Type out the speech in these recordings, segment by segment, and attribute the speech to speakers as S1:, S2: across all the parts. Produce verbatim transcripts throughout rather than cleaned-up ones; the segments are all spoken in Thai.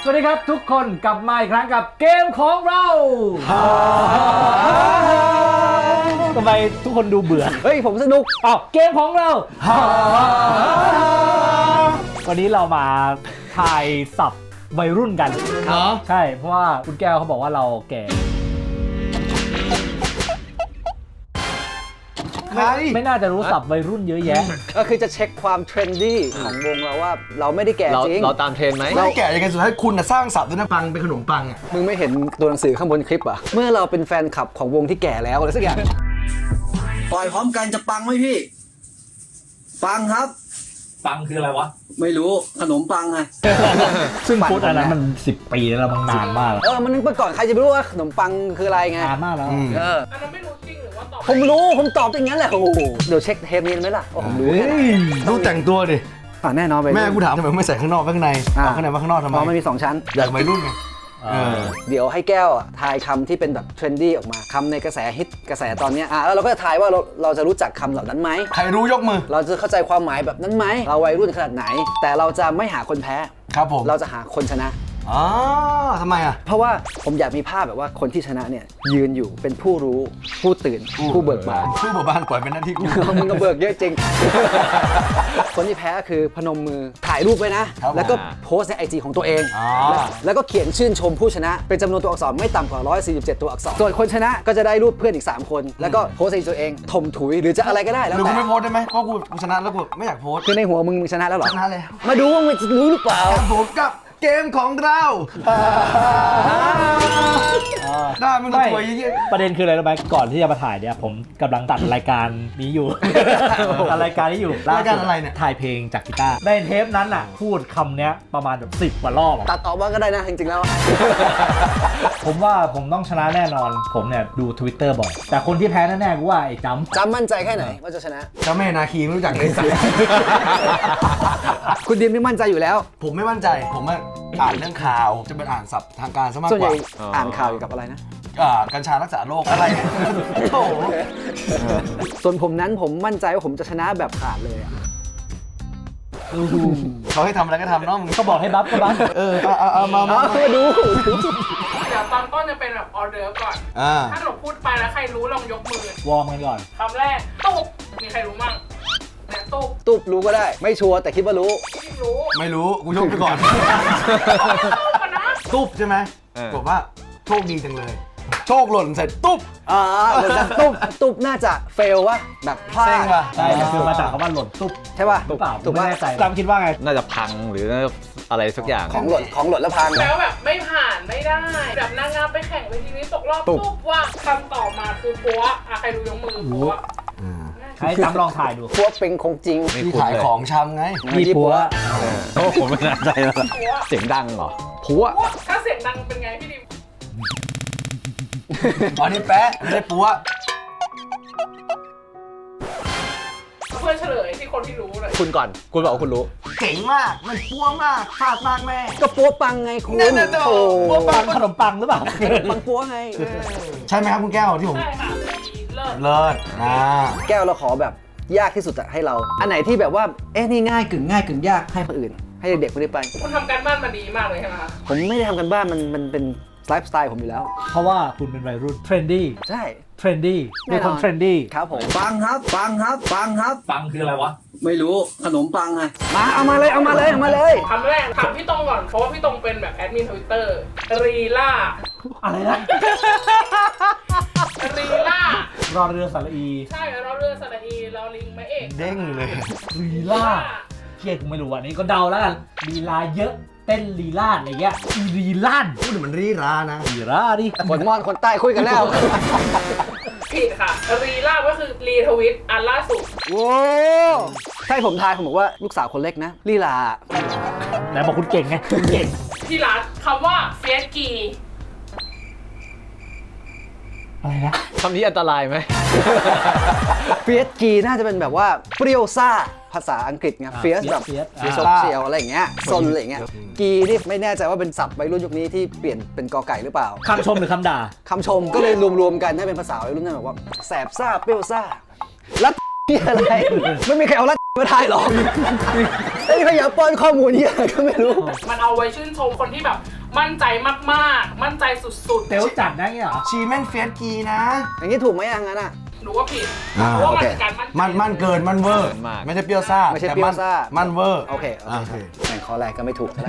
S1: สวัสดีครับทุกคนกลับมาอีกครั้งกับเกมของเราทำไมทุกคนดูเบื่อเฮ้ยผมสนุกอ้าวเกมของเราวันนี้เรามาทายศัพท์วัยรุ่นกันเหรอใช่เพราะว่าคุณแก้วเขาบอกว่าเราแก่ไม่น่าจะรู้ศัพท์วัยรุ่นเยอะแยะ
S2: ก็คือจะเช็คความเทรนดี้ของวงเราว่าเราไม่ได้แก่จริง
S3: เราตามเทรนไหม
S4: ไม่แก่ยังไงสุดท้ายคุณสร้างศัพท์ด้วยนะปังเป็นขนมปังอ่ะ
S2: มึงไม่เห็นตัวหนังสือข้างบนคลิปอ่ะเมื่อเราเป็นแฟนคลับของวงที่แก่แล้วอะไรสักอย่าง
S5: ปล่อยพร้อมกันจะปังไหมพี่ปังครับ
S1: ปังคืออะไรวะ
S5: ไม่รู้ขนมปังไง
S1: ซึ่งพูดอันนั้นมันสิบปีแล้วมันนานมาก
S2: เออมันเมื่อก่อนใครจะไม่รู้ว่าขนมปังคืออะไรไง
S1: นานมากแล้ว
S2: เอออันนั้นไม่รู้จริงหรือว่าตอบผมรู้ผมตอบอย่างนั้นแหละโอ้โหเดี๋ยวเช็คเทปนี้ไหมล่ะโอ้ผมรู้
S4: ต้องแต่งตัวดิ
S2: อ่าแน่นอนไป
S4: แม่กูถามทำไมไม่ใส่ข้างนอกข้างในเอาข้างในมาข้างนอกทำไม
S2: เพราะมันมีสองชั้น
S4: อยากวัยรุ่นไง
S2: เดี๋ยวให้แก้วทายคำที่เป็นแบบเทรนดี้ออกมาคำในกระแสฮิตกระแสตอนนี้อ่ะแล้วเราก็จะทายว่าเราเราจะรู้จักคำเหล่านั้นไหม
S4: ใครรู้ยกมือ
S2: เราจะเข้าใจความหมายแบบนั้นไหมเราวัยรุ่นขนาดไหนแต่เราจะไม่หาคนแพ้
S4: ครับผม
S2: เราจะหาคนชนะ
S4: อ๋อทำไมอ่ะ
S2: เพราะว่าผมอยากมีภาพแบบว่าคนที่ชนะเนี่ยยืนอยู่เป็นผู้รู้ผู้ตื่นผู้เบิกบาน
S4: ผู้เบิกบานปล่อยเป็นหน้าที่กู
S2: มึงก็เบิกเยอะจริงคนที่แพ้คือพนมมือถ่ายรูปไว้นะแล้วก็โพสในไอจีของตัวเองแล้วก็เขียนชื่นชมผู้ชนะเป็นจำนวนตัวอักษรไม่ต่ำกว่าหนึ่งร้อยสี่สิบเจ็ดตัวอักษรส่วนคนชนะก็จะได้รูปเพื่อนอีกสามคนแล้วก็โพสในตัวเองถมถุยหรือจะอะไรก็ได้แล้ว
S4: แต่หรือกูไม่โพสได้ไหมเพราะกูชนะแล้วกูไม่อยากโพส
S2: คือในหัวมึงมึงชนะแล้วหรอ
S4: ชนะแล้ว
S2: มาดูว่ามึงจะรู้หรือเปล่า
S4: ผมกับเกมของเราได้มึงตัวตัวยี่
S1: ประเด็นคืออะไรรู้ไหมก่อนที่จะมาถ่ายเนี่ยผมกำลังตัดรายการนี้อยู่ตัดรายการนี้อยู่
S4: รายการอะไรเนี่ย
S1: ถ่ายเพลงจากกีตาร์ในเทปนั้นน่ะพูดคำเนี้ยประมาณแบบสิบกว่ารอบ
S2: ตัดออกมาก็ได้นะจริงๆแล้ว
S1: ผมว่าผมต้องชนะแน่นอนผมเนี่ยดู Twitter บ่อยแต่คนที่แพ้แน่ๆกูว่าไอ้จำ
S2: จำมั่นใจแค่ไหนว่าจะชนะ
S4: เจ้าแม่นาคีไม่รู้จักเลยสัก
S2: คุณดิมไม่มั่นใจอยู่แล้ว
S4: ผมไม่มั่นใจผมอ่านเรื่องข่าวจะเป็นอ่านศัพท์ทางการซะมากกว่า
S2: ส่วนใหญ่อ่านข่าวเกี่ยวกับอะไรนะ
S4: กัญชารักษาโรคอะไรโอ้โห
S2: ส่วนผมนั้นผมมั่นใจว่าผมจะชนะแบบขาดเลยอ่ะ
S4: เขาให้ทำอะไรก็ทำเนาะมึง
S1: เขาบอกให้บัฟก็บัฟ
S4: เออเอาเอามามา
S2: ดู
S6: เดี๋ยวตอนต้นจะเป็นแบบออเดอร์ก่อนถ้าหนูพูดไปแล้วใครรู้ลองยกมือ
S1: วอร์มกันก่อน
S6: คำแรกตุ๊บมีใครรู้มั่งตุ๊บ
S2: ตุ๊บรู้ก็ได้ไม่ชัวร์แต่คิดว่ารู้
S6: รู้
S4: ไม่รู้กูยกไปก่อนตุ๊บใช่ไหมบอกว่าโชคดีจังเลยโชคหล่นเสร็จตุ๊บ
S2: อ่าตุ๊บตุ๊บน่าจะเฟลวะแบบพลาด
S1: ใช่คือมาจากคำว่าหล่นตุ๊บ
S2: ใช่ป่ะ
S1: ตุ๊บเปล่าตุ๊บไม่แน่ใจจำคิดว่าไง
S3: น่าจะพังหรืออะไรสักอย่าง
S2: ของหล่นของหล่นแล้วพัง
S6: แล้วแบบไม่ผ่านไม่ได้แบบนางงามไปแข่งเวทีนี้ตกรอบตุ๊บว่าคำต่อมาคือปัวอะใครรู้ยกมือปัว
S1: ให้จำลองถ่ายดู
S2: พวกเป็นคงจริง
S4: ที่ขายของชำไง
S1: มีปัว
S3: โอ้ผมไม่แน่ใจแล้วเสียงดังเหรอปัว
S6: ถ้าเสียงดังเป็นไงพี่ดิม
S4: อ๋อนี่แป๊ะไม่ได้ปัว
S6: เพื่อนเฉลยที่คนที่รู้เลย
S3: คุณก่อนคุณบอกว่าคุณรู้
S4: เก่งมากมันปัวมากฟาดมากแม่
S2: ก็ปัวปังไงคุณ
S4: โอ้
S1: ปัวปังขนมปังหรือเปล่า
S2: ปังปัวไง
S4: ใช่ไหมครับคุณแก้วที่ผม
S6: ใช่ค่ะเลิศ
S4: เลิศนะ
S2: แก้วเราขอแบบยากที่สุดให้เราอันไหนที่แบบว่าเอ๊ะนี่ง่ายกึ่งง่ายกึ่งยากให้คนอื่นให้เด็กๆคนนี้ไป
S6: คุณทำการบ้านมาดีมากเลยใช่ไหมคะ
S2: ผมไม่ได้ทำกันบ้านมันมันเป็นไลฟ์สไตล์ผมอยู่แล้ว
S1: เพราะว่าคุณเป็นวัยรุ่นเทรนดี้
S2: ใช่
S1: เทรนดี้เป็นคนเทรนดี้
S2: ครับผม
S5: ปังครับปังครับปังครับ
S1: ปังคืออะไรวะ
S5: ไม่รู้ขนมปังไง
S2: มาเอามาเลยเอามาเลยเอามาเลย
S6: คำแรกถามพี่ตรงก่อนเพราะว่าพี่ตรงเป็นแบบแอดมินทวิตเตอร์รีล่า
S1: อะไรนะ
S6: รีล่าร
S1: อเรือสระอี
S6: ใช่รอเรือสระอีรอลิงไม่เอก
S4: เด้งเลย
S1: รีล่าเทียกูไม่รู้อ่ะนี่ก็เดาแล้วกันลีลาเยอะเต้นลีลาดอะไรเงี้ยลีลาด
S4: พูดเหมือนรีรานะ
S1: ลีราดิ
S2: คนมอนคนใต้คุยกันแล้ว
S6: ผิดค่ะรีล่าก็คือรีทวิตอันล่าสุด
S2: โว้ใช่ผมทายผมบอกว่าลูกสาวคนเล็กนะลีลา
S1: ไหนบอกคุณเก่งไงคุณเก่ง
S6: ที่ร้านคำว่าเฟียสกี
S1: อะไรนะ
S3: คำนี้อันตรายไหม
S2: เฟียสกีน่าจะเป็นแบบว่าเปรี้ยวซ่าภาษาอังกฤษไงเฟียสแบบเฟียสเชียวอะไรอย่างเงี้ยซนอะไรอย่างเงี้ยกีนี่ไม่แน่ใจว่าเป็นศัพท์วัยรุ่นยุคนี้ที่เปลี่ยนเป็นกอไก่หรือเปล่า
S1: คำชมหรือคำด่า
S2: คำชมก็เลยรวมๆกันให้เป็นภาษาวัยรุ่นนั่นแบบว่าแสบซ่าเปรี้ยวซ่ารัดที่อะไรไม่มีใครเอารัดมาได้หรอกอ้พยายามป้อนข้อมูลเนี่ยก็ไม่รู้
S6: มันเอาไว้ชื่นชมคนที่แบบมั่นใจมากๆ มั่นใจสุดๆ
S1: เต๋วจัดได้เงี้ยเหรอ
S4: ชีแม่งเฟียสกีนะ
S2: อย่างนี้ถูกไหมอย่างนั้นอ่ะ
S6: หนูว่าผิด
S4: อ่า
S6: เพราะว่ามัน
S2: โอเค
S6: คือการมั่นใจ
S4: มันมันเกินมันเวอร์
S3: มาก
S4: ไม่ใช่เปรี้ยวซ่า
S2: ไม่ใช่
S4: แต่
S2: เปรี้ยวซ่า
S4: มันเวอร์
S2: โอเคโอ
S4: โอ
S2: เค
S4: เค
S2: แข่งข้อแรกก็ไม่ถูกแล้ว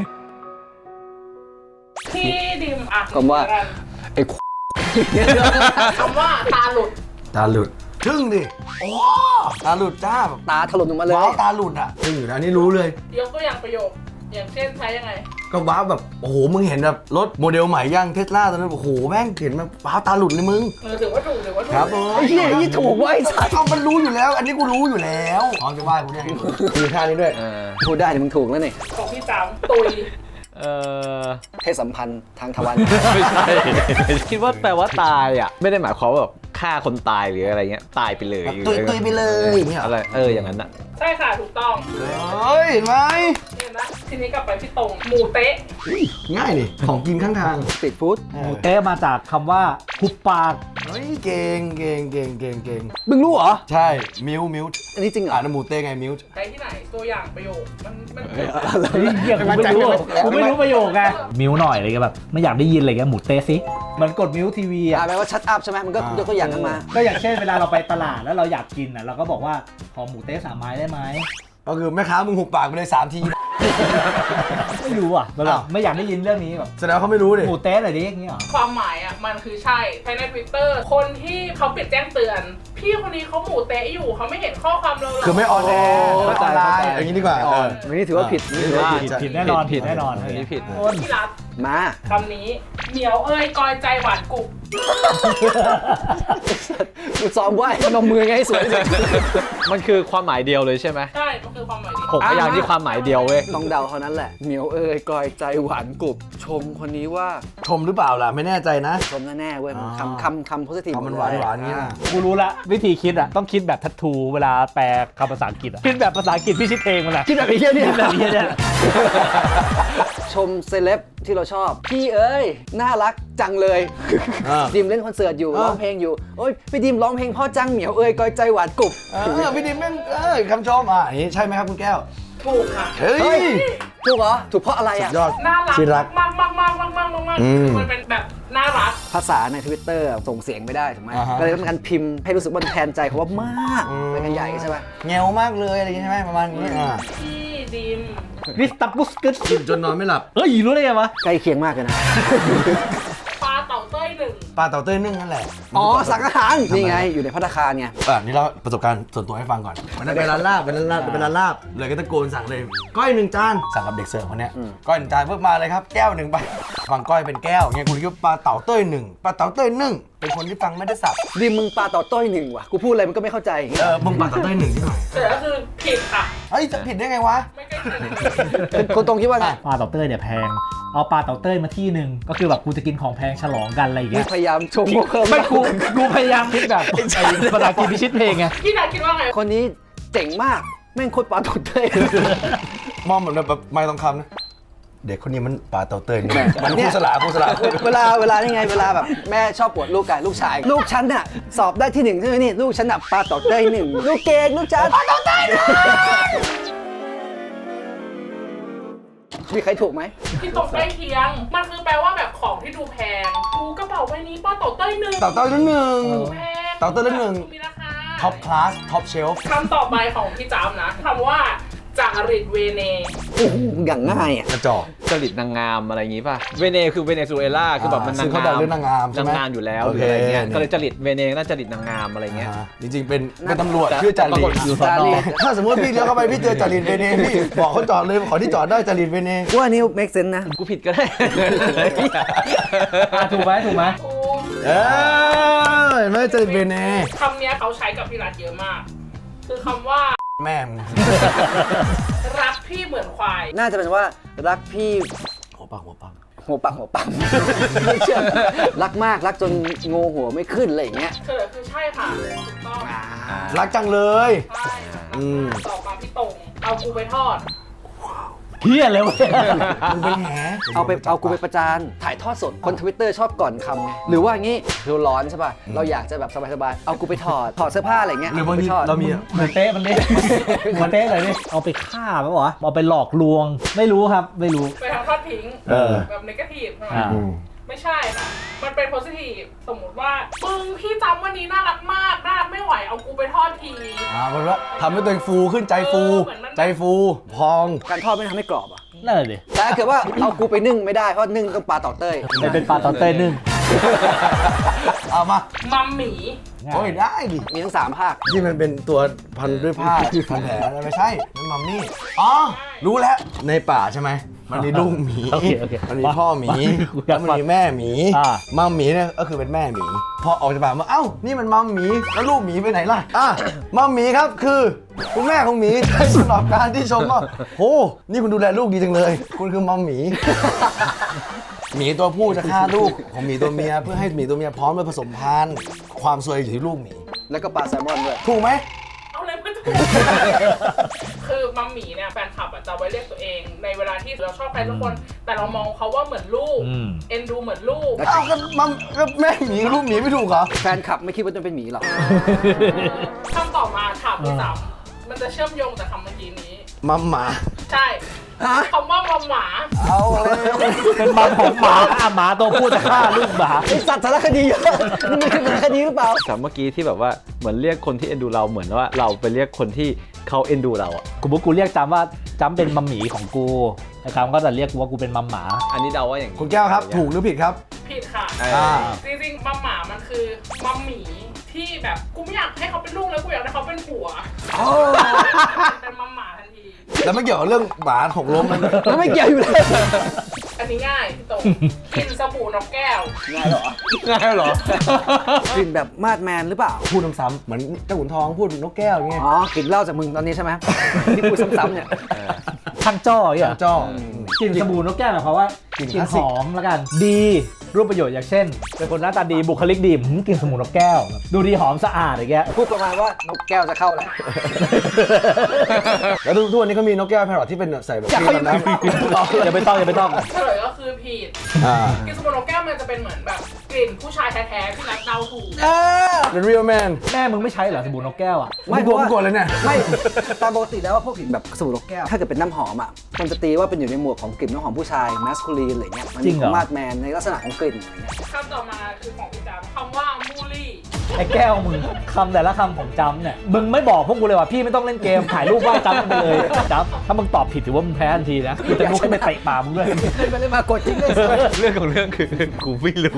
S6: พี่ดิมอ่ะ
S2: ผมว่า ไอ้
S6: คำว่าตาหลุด
S4: ตาหลุดทึ่งดิโอ้ตาหลุดจ้าแบบ
S2: ตาถล่มลงมาเลย
S4: ว้าวตาหลุดอ่ะทึ่งอยู่นะอันนี้รู้เลย
S6: ยกตัวอย่างประโยค อย่างเช่นใช้ยังไง
S4: ก็ว้าวแบบโอ้โหมึงเห็นแบบรถโมเดลใหม่ย่างเทสลาตอนนั้นโอ้โหแม่งเห็นแบบว้าวตาหลุดเลยมึง
S6: เออถือว่าถูกถือว่าถูก
S4: ครับผม
S2: ไอ้เหี้ยนี่ถูกเว้ยสัตว์
S4: เอามันรู้อยู่แล้ว อันนี้กูรู้อยู่แล้วพร้อมจะไหว้กูเนี่ยมีท่านี้ด้วย
S3: เออ
S2: พูดได้แต่มึงถูกแล้วนี่
S6: ของพี่จามตุย
S3: เออ
S2: เพศสัมพันธ์ทางทวาร
S3: ไม่ใช่ คิดว่าแปลว่าตายอ่ะ ไม่ได้หมายความว่าแบบฆ่าคนตายหรืออะไรเงี้ย ตายไปเลย
S4: ตุยตุยไปเลยอย่างเงี้ยเหรอ
S3: อะไร เออ อย่างนั้นอ่ะ
S6: ใช่ค่ะถูกต้อง
S4: เฮ้ยเห็นไหม
S6: เห็นนะทีนี้กลับไปพี่ตรงหมูเต๊ะ
S4: ง่ายนี่ของกินข้างทาง
S2: สตรีทฟู้ด
S1: หมูเต้มาจากคำว่าหุบปาก
S4: เฮ้ยเก่งเก่งเก่งเก่งเก่ง
S2: มึงรู้เหรอ
S4: ใช่มิวมิว
S2: อันนี้จริงเหรอ
S4: อ่านหมูเต้ไงมิว
S6: ใช้ที่ไหนตัวอย่างประโยคมันมัน
S1: เฮ้ยเหี้ยกูไม่รู้กูไม่รู้ประโยคไงมิวหน่อยอะไรเงี้ยแบบไม่อยากได้ยินอะไรเงี้ยหมูเต้สิเหมันกดมิวทีวี
S2: อ่า
S1: อ่ะ
S2: แปลว่าชัดอัพใช่ไหมมันก็ยกตัวอย่างขึ้นมา
S1: ก็อย่างเช่นเวลาเราไปตลาดแล้วเราอยากกินอ่ะเราก็บอกว่าขอหมูเต้สามไม้ได้ไหม
S4: ก็คือแม่ค้ามึงหุบปากไปเลยสามที
S1: ไม่รู้อ่ะแบบ
S4: อ้าว
S1: ไม่อยากได้ยินเรื่องนี้แบบ
S4: แสดงว่าเขาไม่รู้ดิ
S1: หมูเต้อะไรดิอย่างเงี้ยเหรอ
S6: ความหมายอ่ะมันคือใช่ใช้ใน Twitter คนที่เขาปิดแจ้งเตือน พี่คนนี้เขาหมูเต๊ะอยู่เขาไม่เห็นข้อความเราหร
S4: คือไม่ออนแอร์
S2: โอ้
S4: ไม่ออนไลน์อย่างนี้ดีกว่า
S2: อ่อนอันนี้ถือว่าผิดนี่ถือว่าผิด
S1: ผิดผิดแน่นอนผิดแน่นอน
S3: อันนี้ผิด
S1: คน
S6: ที่รัฐ
S2: มา
S6: คำนี้เหมียวเอ้ยกอยใจหวานกุบ
S2: กูซ้อมไหว้พนมมือไงให้สวยที่สุด
S3: มันคือความหมายเดียวเลยใช่ไหม
S6: ใช่มันคือความหมายดี
S3: หกพยางค์ที่ความหมายเดียวเว้ย
S2: ต้องเดาเท่านั้นแหละเหมียวเอ้ยกอยใจหวานกรุบชมคนนี้ว่า
S4: ชมหรือเปล่าล่ะไม่แน่ใจนะ
S2: ชมแน่ๆเว้ยมัน
S4: อ๋อ
S2: คำคำคำโพสิทีฟ
S4: คำมันหวานหวานๆงี้นะ
S1: กูรู้ละวิธีคิดอ่ะต้องคิดแบบทัตทูเวลาแปลคำภาษาอังกฤษอ่ะคิดแบบภาษาอังกฤษพี่ชิดเพลงมันอ่ะ
S2: คิดแบบไอ้เหี้ยเนี่ย
S1: คิดแบบนี้เนี่ย
S2: ชมเซเลบที่เราชอบ พี่เอ้ย น่ารักจังเลย
S4: อ่า
S2: ดิมเล่นคอนเสิร์ตอยู่
S4: อ่า
S2: ร้องเพลงอยู่โอ้ยพี่ดิมร้องเพลงพ่อจังเหมียวเอ้ยกอยใจหวานกรุบ
S4: เออพี่ดิมแม่งเออคำชมอ่ะอย่างนี้ใช่ไหมครับคุณแก้ว
S6: ถูกค่ะ
S4: เฮ้
S2: เฮ้
S4: ย
S2: ยถูกเหรอถูกเพราะอะไร
S4: สุ
S2: อ่ะ
S4: ดยอด
S6: น่ารัก
S4: ที่รัก
S6: มากมากมากมากมากมากมาก
S4: อืม
S6: คือมันเป็นแบบน่ารัก
S2: ภาษาในทวิตเตอร์ส่งเสียงไม่ได้ถูกไหม
S4: อ่าฮะ
S2: ก็เลยต้องการพิมพ์ให้รู้สึกว่ามันแทนใจเขาว่ามาก
S4: อืม
S2: ไปกันใหญ่ใช่ไหม
S4: แงวมากเลยอะไรอย่างนี้ใช่ไหมประมาณนี้อ่า
S6: พี่ดิม
S1: วิสตับบุสกึส
S4: กินจนนอนไม่หลับ
S1: เฮ้ยรู้ได้ไงวะ
S2: ใกล้เคียงมากเลยนะ
S6: ปลาเต่าเต้ยหนึ่ง
S4: ปลาเต่าเต้ยนึ่งนั่นแหละ
S2: อ๋อสั่งอาหารนี่ไงอยู่ในภัตตาคารไง
S4: อ่ะนี่เราประสบการณ์ส่วนตัวให้ฟังก่อนวันนั้นไปร้านลาบไปร้านลาบไปร้านลาบเลยก็ตะโกนสั่งเลยก้อยหนึ่งจานสั่งกับเด็กเสิร์ฟคนเนี้ยก้อยหนึ่งจานเพิ่มมาเลยครับแก้วหนึ่งไปฟังก้อยเป็นแก้วเงี้ยคุณคิดว่าปลาเต่าเต้ยหนึ่งปลาเต่าเต้ยนึ่งเป็นคนที่ฟังไม่ได้สับ
S2: ดิมมึงปลาต่อต้อยหนึ่งว่ะกูพูดอะไรมันก็ไม่เข้าใจอย่างเงี้ย
S4: เออมึงปลาเต่าเต้ยหนึ่งที่หน่อย
S6: แต่ก็คือผิดค่ะ
S4: เฮ้ยจะผิดได้ไงวะ
S6: ไม่ใกล้เคียงเลย
S2: เป็นคนตรงคิดว่าไง
S1: ปลาเต่าเต้ยเนี่ยแพงเอาปลาเต่าเต้ยมาที่หนึ่งก็คือแบบกูจะกินของแพงฉลองกันอะไรอย่าง
S2: นี่
S1: เงี้ย
S2: พยายามชมเพิ่ม
S1: ไม่กูกูพยายามคิดแบบไอ้ภาษาอังกฤษพิชิตเพลงไง
S6: พี่นัทคิดว่าไง
S2: คนนี้เจ๋งมากแม่งโคตรปลาต่อเต้ย
S4: มองเหมือนแบบไม่ต้องคำนะเด็กคนนี้มันปลาเต่าเต้ยนี่
S2: แม่
S4: มันครูสลาครูสลา
S2: เวลาเวลานี่ไงเวลาแบบแม่ชอบปวดลูกกันลูกชาย ลูกฉันน่ะสอบได้ที่หนึ่งใช่ไหมนี่ลูกฉันน่ะปลาต่อเต้ยหนึ่งลูกเก่งลูกฉันปลาต่อเต้ยหนึ่งมีใครถูกไหม
S6: พี่ตรงใกล้เคียง มันคือแปลว่าแบบของที่ดูแพงดูกระเป๋าใบนี้ปลาเต่าเต้ยหนึ่ง
S4: เต่าเต้ยหนึ่ง
S6: แพง
S4: เต่าเต้ยหนึ่ง
S6: มีราคา
S4: ท็อปคลาสท็อปเชลฟ์
S6: คำต่อไปของพี่จามนะคำว่าจาริตเวเน
S2: โอ้โหอย่างง่ายอ่ะ
S4: กระจอก
S3: จริตนางงามอะไรอย่างงี้ป่ะ เวเนคือเวเนซุเอลาคือแบบมัน
S4: ซึ่
S3: นาง
S4: งเขา
S3: งา
S4: ดัง
S3: ม
S4: เรื่องนางงามใช่
S3: นาง
S4: ไหม
S3: งามอยู่แล้ว
S4: โอ
S3: หรื
S4: เค
S3: ออะไรเงี้ย
S4: นี่
S3: ก็เลยจริตเวเนน่าจริตนางงามอะไรเงี้ย
S4: อ่าจริงๆเป็นเป็นตำรวจชื่อจา
S3: ปรา
S4: รี
S3: กฏอยู่สอน
S2: จารี
S3: อ
S2: ต
S4: ถ้าสมมติพี่เลี้ยวเข้าไปพี่เจอจารีตเวเนพี่บอกเขาจอดเลยขอที่จอดได้จารีตเวเน
S2: ว่านี่ make sense นะ
S3: กูผิดก็ได้
S1: อ่ะถูกไหมถูกไหม
S6: โอ้
S4: เออเห็นไหมจารีตเวเน
S6: คำเนี้ยเขาใช้กับพี่รัฐเยอะมาก คือคำว่า
S4: แม่มึง
S6: รักพี่เหมือนควาย
S2: น่าจะเป็นว่ารักพี่
S4: หัวปังหัวปัง
S2: หัวปังหัวปังไม่เชื่อรักมากรักจนงงหัวไม่ขึ้นอะไรอย่างเงี้ย
S6: เฉลยคือใช่ค่ะถูกต้อง
S4: รักจังเลย
S6: ใช่ค่ะ
S4: อืม
S6: ต่อมาพี่ตรงเอากูไปทอด
S4: แ
S1: เฮียเลยวะ
S4: มึงเป็นแห
S2: เอาไปเอากูไปประจานถ่ายทอดสดคนทวิตเตอร์ชอบก่อนคำไงหรือว่างี้เราร้อนใช่ป่ะเราอยากจะแบบสบายๆเอากูไปถอดถอดเสื้อผ้าอะไรเงี้ย
S4: หรือบางที
S2: ไปทอด
S4: เรามี
S1: เหมือนเต้มันเต้มันเต้เลยนี่เอาไปฆ่าไหมวะเอาไปหลอกลวงไม่รู้ครับไม่รู้
S6: ไปทำทอดทิ้ง
S4: เออ
S6: แบบนกาทีฟใช่ไหม
S1: อ่า
S6: ไม่ใช่ค่ะมันเป็นโพสิทีฟสมมติว่ามึงพี่จำวันนี้น่ารักมากน่ารักไม่ไหวเอากูไปทอดที
S4: อ่ามันว่าทำให้ตัวเองฟูขึ้นใจฟู ใจฟูพอง
S2: การทอดไม่ทำให้กรอบอ่ะ
S1: นั่นแหละดิ
S2: แต่ถ้าเกิดว่าเอากูไปนึ่งไม่ได้เพราะนึ่งต้องปลาเต่อเต้ย
S1: ไม่เป็นปลาตอนเต้นึ่ง
S4: เอามา
S6: มัมหมี
S4: โอ้ยได้ดิ
S2: มีทั้งสามภาค
S4: ที่มันเป็นตัวพันด้วยผ้าพันแผลอะไรไม่ใช่นั่นมัมมี่อ๋อรู้แล้วในป่าใช่ไหมมันมีลูกหมี
S1: โอเคโอเค
S4: มันมีพ่อหมี
S1: กูอ
S4: แล้
S1: ยาว ก
S4: มัน
S1: ฟัง
S4: มีแม่หมี
S1: อ่า
S4: มัมหมีเนี่ยก็คือเป็นแม่หมีพอออกจากป่ามาเอ้านี่มันมัมหมีแล้วลูกหมีไปไหนล่ะอ่ะมัมหมีครับคือคุณแม่ของหมีได้สำหรับการที่ชมว่าโหนี่คุณดูแลลูกดีจังเลย คุณคือมัมหมี หมีตัวผู้จะฆ่าลูกของหมีตัวเมียเพื่อให้หมีตัวเมียพร้อมไปผสมพันธุ์ความซวยอยู่ที่ลูกหมี
S2: แล้วก็ปลาแซลมอนด้วย
S4: ถูกไหม
S6: เอาเลยไม่ถูก คือมัมหมีเนี่ยแฟนคลับอะจะไว้เรียกตัวเอง ในเวลาที่เราชอบใครสักคน แต่เรามองเขาว่าเหมือนลูก
S1: อืม
S6: เอ็นดูเหมือนลูก
S4: อ้าวก็มัมก็แม่หมีกับลูกหมีไม่ถูกเหรอ
S2: แฟนคลับไม่คิดว่าจะเป็นหมีหรอก
S6: คำต่อมาถามพี่สามมันจะเชื่อมโยงจากคำเมื่อกี้นี้
S4: มัมหมา
S6: ใช่คำว่ามัมหมา
S4: เอาเลย
S1: เป็นมัมของหมาอ่ะหมาตัวผู้จะฆ่าลูกหมา
S2: ไอสัตว์สารคดีเยอะนี่มันคือสารคดีหรือเปล่า
S3: แต่เมื่อกี้ที่แบบว่าเหมือนเรียกคนที่เอ็นดูเราเหมือนว่าเราไปเรียกคนที่เขาเอ็นดูเราอ่ะ
S1: กูบอกกูเรียกจำว่าจำเป็นมัมหมีของกูไอ้คำก็จะเรียกกูว่ากูเป็นมัมหมา
S3: อันนี้เดาว่าอย่างนี้
S4: คุณแก้วครับ ถูกหรือผิดครับ
S6: ผิดค่ะ
S4: อ่า
S6: จริงๆมัมหมามันคือมัมหมีที่แบบกูไม่อยากให้เขาเป็นลูกแล้วกูอยากให้เขาเป็นผัวเป็นมัมหมาทันที
S4: แล้วไม่เกี่ยวกับเรื่องหมาหกล้มนะ
S2: แล้วไม่เกี่ยวอยู่เลย
S6: อันนี้ง่ายพี่ตรงกินสบู่นกแก้ว
S2: ง่ายเหรอ
S3: ง่ายเหรอก
S2: ลิ่นแบบมาดแมนหรือเปล่า
S4: พูดซ้ำๆเหมือนเจ้าขุนทองพูดนกแก้วอย่างเงี้ย
S2: อ๋อกลิ่นเหล้าจากมึงตอนนี้ใช่ไหมที่พูดซ้ำๆเนี่ย
S1: ข้างจ้ออย่างเงี้ย
S4: จ้อ
S1: กลิ่นสบู่นกแก้วหมายความว่าก
S4: ลิ่น
S1: กลิ่
S4: คน ลาสสิก
S1: หอมแล้วกัน ดีรูปประโยชน์อย่างเช่น เป็นคนหน้าตาดีบุคลิกดีหืมกลิ่นสบู่นกแก้ว ดูดีหอมสะอาดอย่างเงี้ย
S2: พูดประมาณว่านกแก้วจะเข้าแล้ว
S4: แล้วทุกวันนี้ก็มีนกแก้วแพรอทที่เป็นใส่แบบ
S2: อยากให้
S4: น้ำ
S1: อย่าไปต้องอย่าไปต้อง
S6: เฉลยก็คือผิด
S4: อ่า
S6: กินสบู่นกแก้วมันจะเป็นเหมือนแบบกลิ่นผู้ชายแท้ๆที่รักเดาถูก
S4: เป็น real man
S1: แม่มึงไม่ใช้เหรอสบู่นกแก้วอ่ะ
S2: ไม่
S4: กลัวไม่กลัวเลยเนี่ย
S2: ไม่ตามปกติแล้วว่าพวกกลิ่นแบบสบู่นกแก้วถ้าเกิดเป็นน้ำหอมอ่ะมันจะตีว่าเป็นอยู่ในหมวดของกลิ่นน้ำหอมผู้ชายแมสคูลีนอะไรเงี้ยมัน
S1: จริ
S2: มี
S1: ง
S2: ค
S1: เหรอ
S2: วามมาดแมนในลักษณะของกลิ่นอะไรเงี้ย
S6: คำต่อมาคือของพี่จำคำว่ามูลี่
S1: ไอ้แก้วมึงคำแต่ละคำของจำเนี่ยมึงไม่บอกพวกกูเลยว่าพี่ไม่ต้องเล่นเกมถ่ายรูปว่าจำมันไปเลยจำถ้ามึงตอบผิดถือว่ามึงแพ้ทันทีนะกูจะลุกขึ้นไปเตะปากมึงด้วย
S2: เล่นไปเล่นมากดจริงเลย
S3: เรื่องของเรื่องคือกูไม่รู้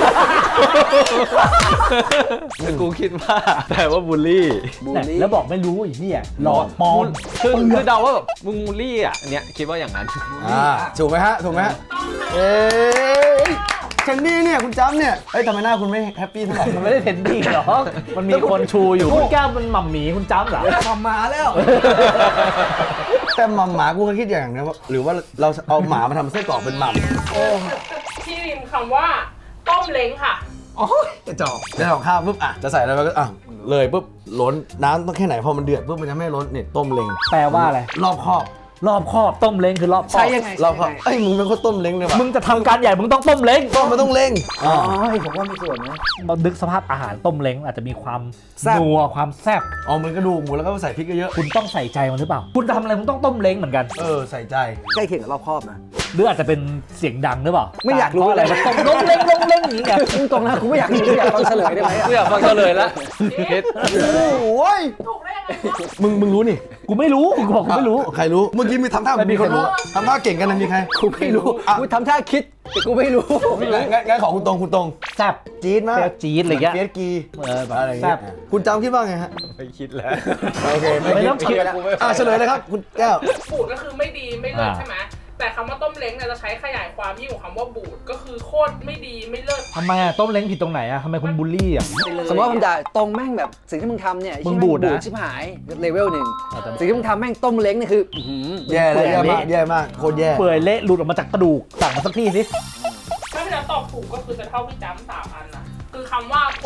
S3: แต่กูคิดว่าแต่ว่าบูลลี่
S2: บูล
S1: เนี่ย
S2: ลี่
S1: แล้วบอกไม่รู้อีกเนี่ยหลอดปอน
S3: คือคือเดาว่าแบบมึงบูลลี่อ่ะอันเนี้ยคิดว่าอย่างนั้น
S4: อ่าถูกไหมฮะ ถูกไหมฮะ เอ้ยเชนดี้เนี่ยคุณจำเนี่ยเอ้ยทำไมหน้าคุณไม่แฮปปี้เท่าไหร่
S1: มันไม่ได้เทนดี้หรอกมันมีคนชูอยู่คุณแก้วมันหม่ำหมีคุณจำเหรอ
S2: ทำมาแล้ว
S4: แต่หม่ำหมากูก็คิดอย่างนะว่าหรือว่าเราเอาหมามาทำไส้กรอกเป็นหม่ำ
S6: ที่ริมคำว่าต้มเล้งค่ะ
S4: โอ้ยจะจอกจะของข้าวปุ๊บอ่ะจะใส่อะไรไปก็อ่ะเลยปุ๊บล้นน้ำต้องแค่ไหนพอมันเดือดปุ๊บมันจะไม่ล้นเนี่ยต้มเล้ง
S1: แปลว่าอะไร
S4: รอบครอบ
S1: รอบครอบต้มเล้งคือรอบครอบ
S2: ใช้ยังไง
S4: รอบครอบเอ้ยมึงเป็นคนต้มเล้งเลยว่ะ
S1: มึงจะทำการใหญ่มึงต้องต้มเล้ง
S4: ต้มมันต้องเล้ง
S2: อ๋
S4: อ๋
S2: อ
S4: อ
S2: ผมว่ามีส่วนนะ
S1: เราดึกสภาพอาหารต้มเล้งอาจจะมีความ
S2: แซ่บ
S1: นัวความแซ่บ
S4: อ๋อเหมือนกระดูกหมูแล้วก็ใส่พริกเยอะ
S1: คุณต้องใส่ใจมันหรือเปล่า คุณจะทำอะไรคุณต้องต้มเล้งเหมือนกัน
S4: ๆเออใส่ใจ
S2: ใกล้เคียงกับรอบครอบนะ
S1: หรืออาจจะเป็นเสียงดังหรือเปล่า
S2: ไม่อยากรู้
S1: เพะอะไร
S2: เลย
S1: มันต้มล้มเล้งล้มเล้งอย่างนี้ไง
S2: พูดตรงนะกูไม่อยากรู้อยากฟังเฉลยได้ไหมอะ
S3: กูอยากฟังเฉลยแล้วคิด
S4: โอ้ย
S6: ถูกได้ยังไงวะ
S4: มึงมึงรู้นี่
S1: กูไม่รู้กูบอกกูไม่รู้
S4: ใครรู้เมื่อกี้มีทำท่า
S1: ไม่มี
S4: มีคน
S1: ใครรู้
S4: รู้ทำท่าเก่งกันนะมีใคร
S2: กูไม่รู้
S4: อ่ะ
S2: กูทำท่าคิดแต่กูไม่รู้
S4: งั้นงั้นงั้นขอคุณตรงคุณตรง
S1: แซ่บ
S4: จี๊ดมาก
S1: เปรี้ยวจี๊ดอะไรเงี้ย
S4: เฟียสกี
S1: เออแบบ
S4: อะไรอย่าง
S1: แซ่
S4: เงี้
S1: บ
S4: ยคุณจำคิดว่าไงฮะ
S3: ไม่คิดแล้ว
S4: โอเค
S1: ไม่ต้องคิด
S4: อ่ะเฉลยเลยครับคุณแก้ว
S6: บูดก็คือไม่ดีไม่เลิศ
S1: อ่า
S6: ใช่ไหมแต่คำว่าต้มเล้งเนี่ยจะใช้ขยายความยิ่งกว่าคำว่าบูดก็คือโคตรไม่ดีไม่เลิศ
S1: ทำไมอะต้มเล้งผิดตรงไหนอะทำไมคุณบูลลี่อะ
S2: สมมติว่าผมด่าตรงแม่งแบบสิ่งที่มึงทำเนี่ย
S1: มึงบูดนะ
S2: ชิบหายเลเวลหนึ่งสิ่งที่มึงทำแม่งต้มเล้งนี่คืออื้อหือ
S4: แย่แล้วแย่มากแย่มากโคตรแย่
S1: เปื่อยเละหลุดออกมาจากกระดูกสั่งมาสักที่สิ
S6: ถ้าพี่จะตอบถูกก็คือจะเท่าพี่จ้ำสามอันนะคือคำว่าโพ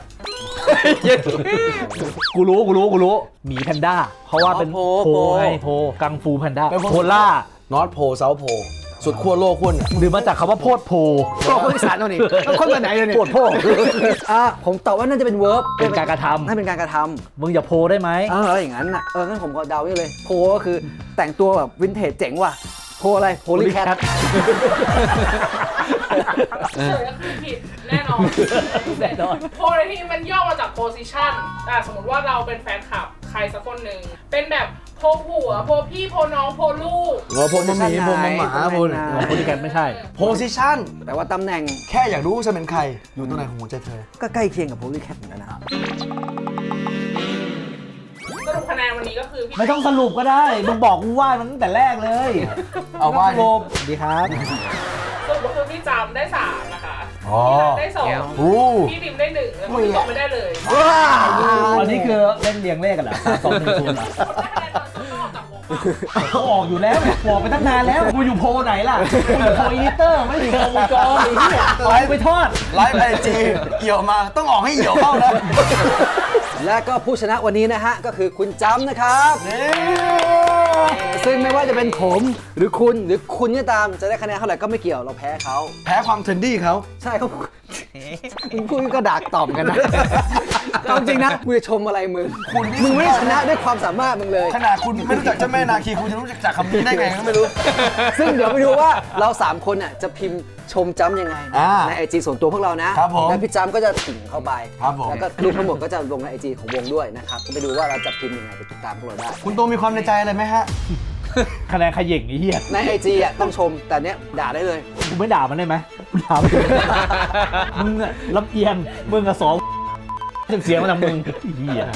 S1: กูรู้กูรู้กูรู้หมีแพนด้าเพราะว่าเป็น
S2: โพ
S1: โพ
S2: โพ
S1: ไงโพกังฟูแพนด้าโพล่า
S4: นอร์ทโพเซาท์โพสุดขั้วโลกขั้วเหนือ
S1: หรือมาจากคำว่าโพดโพ
S2: ก็คนอีสานเอานี่แล้วคนแบบไหนเลยเนี่ย
S1: โพดโพ
S2: อ่ะผมตอบว่าน่าจะเป็น verb
S1: เป็นการกระทำ
S2: น่าเป็นการกระท
S1: มึงอย่าโพได้ไหม
S2: ำเอออย่างนั้นน่ะเอองั้นผมก็เดาไว้เลยโพก็คือแต่งตัวแบบวินเทจเจ๋งว่ะโพอะไรโพลีแคท
S6: เฉยก็คือผิดแน่นอน
S1: แน่นอน
S6: โพลในที่นี้มันย่อมาจาก position อ่ะสมมติว่าเราเป็นแฟนคลับใครสักคนหนึ่งเป็นแบบโพลผัวโพลพี่โพลน้องโพลลูก
S4: โอ้โพมะหมีโพมะหมาโพ
S1: โพลิแกนไม่ใช่
S4: โพซิชั่น
S2: แต่ว่าตำแหน่ง
S4: แค่อยากรู้ว่าฉันเป็นใคร อยู่ตรงไหนของหัวใจเธอ
S2: ก็ใกล้เคียงกับโพลีแคทเหมือนกันนะ
S6: สรุปคะแนนวันนี้ก็คือพี่
S1: ไม่ต้องสรุปก็ได้ มึงบอกกูว่ามันตั้งแต่แรกเลย
S4: เอาว่า
S1: โลมดีครับ
S6: สรุปก็คือพี่จำได้สามนะคะ
S4: อ๋อ
S6: พี่นัทได้สอง
S4: โอ้
S6: พี่ดิมได้หนึ่งแล้วก็พี่ตกไม่ได้เลย
S1: อันนี้คือเล่นเรียงเลขกันเหรอสามสองหนึ่งศูนย์เหรอ
S6: คนได้คะแนนตอนที่ต้องออกจากวงป่ะ
S1: เขาออกอยู่แล้วบอกไปตั้งนานแล้ว กูอยู่โพลไหนล่ะ กูอยู่โพลอีดิเตอร์ ไม่ได้อยู่โพลวงจรไอ้เหี้ยปล่อยไปทอด
S4: ไลฟ์ไอจีเอี่ยวมาต้องออกให้เอี่ยวเข้านะ
S2: และก็ผู้ชนะวันนี้นะฮะ ก็คือคุณจำนะครับ ซึ่งไม่ว่าจะเป็นผมหรือคุณหรือคุณก็ตามจะได้คะแนนเท่าไหร่ก็ไม่เกี่ยวเราแพ้เขา
S4: แพ้ความเทรนดี้เขา
S2: ใช่เขาคุณพูดก็ดักตอบกันนะเอาจริงนะกูจะชมอะไรมึง
S4: คุณนี่
S2: มึงไม่ได้ชนะด้วยความสามารถมึงเลย
S4: ขนาดคุณไม่รู้จักเจ้าแม่นาคีคุณจะรู้จักจากคำนี้ได้ไงก็ไม่รู้
S2: ซึ่งเดี๋ยวไปดูว่าเราสามคนน่ะจะพิมพ์ชมจ้ำยังไง
S4: อ่า
S2: ในไอจีส่วนตัวพวกเรานะครับ
S4: ผม
S2: แล้วพี่จ้ำก็จะถึงเข้าไป
S4: ครับผม
S2: แล้วก็รูปทั้งหมดก็จะลงในไอจีของวงด้วยนะครับก็ไปดูว่าเราจะพิมพ์ยังไงไปติดตามพวกเราได้
S4: คุณโตมีความในใจอะไรไหมฮะ
S1: คะแนนขย่งไอ้เหี้ย
S2: ในไอจีอ่ะต้องชมแต่เนี้ยด่าได้เลย
S1: กูไม่ด่ามันได้ไหมกูด่ามันมึงอะลำเอียง มึงอะสองเสียงมาจากมึงไอ้เหี้ย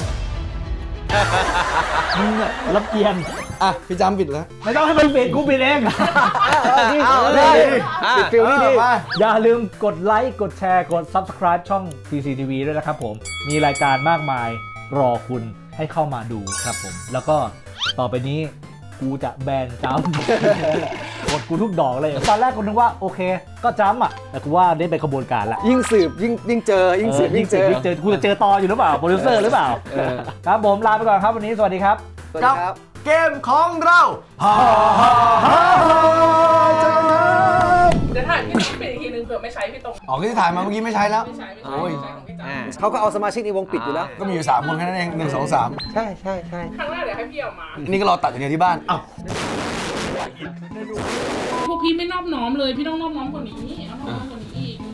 S1: มึงอะลำเอียง
S4: อ่ะ พี่จำปิดแล้ว
S1: ไม่ต้องให้มันปิดกูปิดเอง
S2: เอาเลย
S3: อ่ะ
S2: ฟิลนี่ดี
S4: มา
S1: อย่าลืมกดไลค์กดแชร์กด Subscribe ช่อง ที ซี ที วี ด้วยนะครับผม มีรายการมากมายรอคุณให้เข้ามาดูครับผม แล้วก็ต่อไปนี้กูจะแบนจ้ำ กดกูทุกดอกเลย ตอนแรกกูนึกว่าโอเค ก็จ้ำอ่ะ แต่กูว่าได้เป็นขบวนการละ
S2: ยิ่งสืบยิ่งยิ่งเจอยิ่งสืบยิ่งเจอ
S1: ยิ่งเจอกูจะเจอตออยู่หรือเปล่า โปรดิวเซอร์หรือเปล่า ครับผมลาไปก่อนครับวันนี้สวัสดีครับ
S2: สวัสดีครับ
S4: เกมของเราฮ่าฮ่าฮ่าฮ่าเจอกันครับ
S6: เดี๋ยวถ่ายพี่ต้องปิดอีกทีนึงเผื่อไม่ใช้พี่ตรง
S4: ออกที่ถ่ายมาเมื่อกี้ไม่ใช้แล้ว
S6: ไม่ใช้ไม่ใช้
S4: โอ้ย
S6: ไม่ใช้ของพี่จำ
S2: เขาก็เอาสมาชิกในวงปิดอยู่แล้ว
S4: ก็มีอยู่สามคนแค่นั้นเองหนึ่งสองสาม
S2: ใช่ใช่ใช่
S6: ครั้งแรกเดี๋ยวให้พี่ออกมา
S4: นี่ก็รอตัดอย่างเดียวที่บ้านอ้าว
S6: พวกพี่ไม่นอบน้อมเลย พี่ต้องนอบน้อมกว่านี้เอานอบน้อมกว่านี้อีก